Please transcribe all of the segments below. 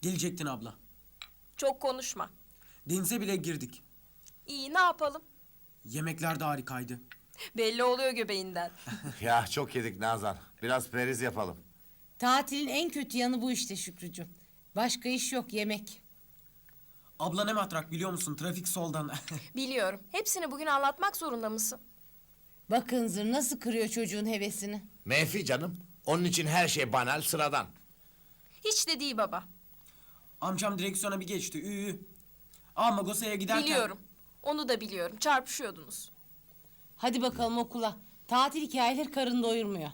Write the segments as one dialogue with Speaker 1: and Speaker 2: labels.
Speaker 1: Gelecektin abla.
Speaker 2: Çok konuşma.
Speaker 1: Denize bile girdik.
Speaker 2: İyi, ne yapalım?
Speaker 1: Yemekler de harikaydı.
Speaker 2: Belli oluyor göbeğinden.
Speaker 3: Ya çok yedik Nazan. Biraz periz yapalım.
Speaker 4: Tatilin en kötü yanı bu işte Şükrücüğüm. Başka iş yok, yemek.
Speaker 1: Abla ne matrak biliyor musun? Trafik soldan.
Speaker 2: Biliyorum. Hepsini bugün anlatmak zorunda mısın?
Speaker 4: Bak Hınzır nasıl kırıyor çocuğun hevesini.
Speaker 3: Menfi canım. Onun için her şey banal, sıradan.
Speaker 2: Hiç de değil baba.
Speaker 1: Amcam direksiyona bir geçti. Magosa'ya giderken...
Speaker 2: Biliyorum. Onu da biliyorum. Çarpışıyordunuz.
Speaker 4: Hadi bakalım okula. Tatil hikayeleri karın doyurmuyor.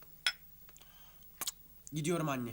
Speaker 1: Gidiyorum anne.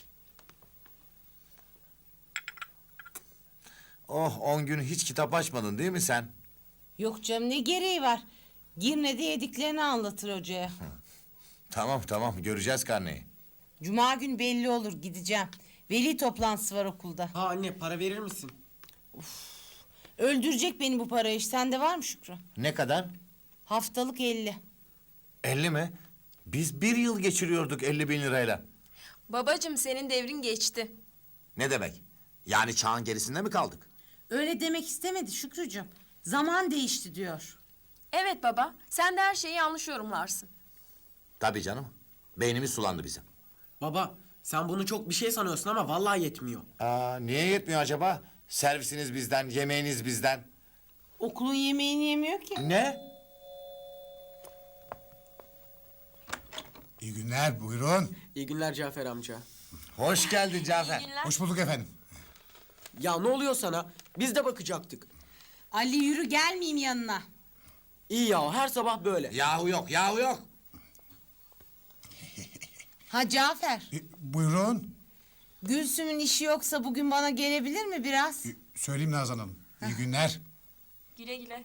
Speaker 3: Oh 10 gün hiç kitap açmadın değil mi sen?
Speaker 4: Yok canım ne gereği var? Girne'de yediklerini anlatır hocaya.
Speaker 3: Tamam göreceğiz karneyi.
Speaker 4: Cuma gün belli olur gideceğim. Veli toplantısı var okulda.
Speaker 1: Ha anne para verir misin?
Speaker 4: Öldürecek beni bu para iş. Sende var mı Şükrü?
Speaker 3: Ne kadar?
Speaker 4: Haftalık 50.
Speaker 3: 50 mi? Biz bir yıl geçiriyorduk 50.000 lirayla.
Speaker 2: Babacığım senin devrin geçti.
Speaker 3: Ne demek? Yani çağın gerisinde mi kaldık?
Speaker 4: Öyle demek istemedi Şükrücüğüm. Zaman değişti diyor.
Speaker 2: Evet baba. Sen de her şeyi yanlış yorumlarsın.
Speaker 3: Tabii canım. Beynimiz sulandı bizim.
Speaker 1: Baba sen bunu çok bir şey sanıyorsun ama vallahi yetmiyor.
Speaker 3: Niye yetmiyor acaba? Servisiniz bizden, yemeğiniz bizden.
Speaker 4: Okulun yemeğini yemiyor ki.
Speaker 3: Ne?
Speaker 5: İyi günler, buyurun.
Speaker 1: İyi günler Cafer amca.
Speaker 3: Hoş geldin Cafer.
Speaker 2: İyi günler.
Speaker 5: Hoş bulduk efendim.
Speaker 1: Ya ne oluyor sana? Biz de bakacaktık.
Speaker 4: Ali yürü gelmeyeyim yanına.
Speaker 1: İyi ya her sabah böyle.
Speaker 3: Yahu yok.
Speaker 4: Ha Cafer.
Speaker 5: Buyurun.
Speaker 4: Gülsüm'ün işi yoksa bugün bana gelebilir mi biraz?
Speaker 5: Söyleyeyim Nazan Hanım. İyi günler.
Speaker 2: Güle güle.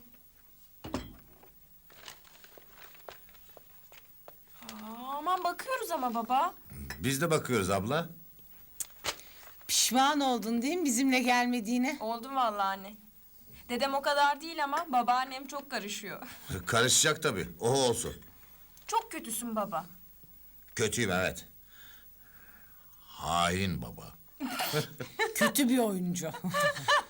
Speaker 2: Aman bakıyoruz ama baba.
Speaker 3: Biz de bakıyoruz abla.
Speaker 4: Pişman oldun değil mi bizimle gelmediğine?
Speaker 2: Oldum vallahi anne. Dedem o kadar değil ama babaannem çok karışıyor.
Speaker 3: Karışacak tabii. O olsun.
Speaker 2: Çok kötüsün baba.
Speaker 3: Kötüyüm evet. Hain baba.
Speaker 4: Kötü bir oyuncu.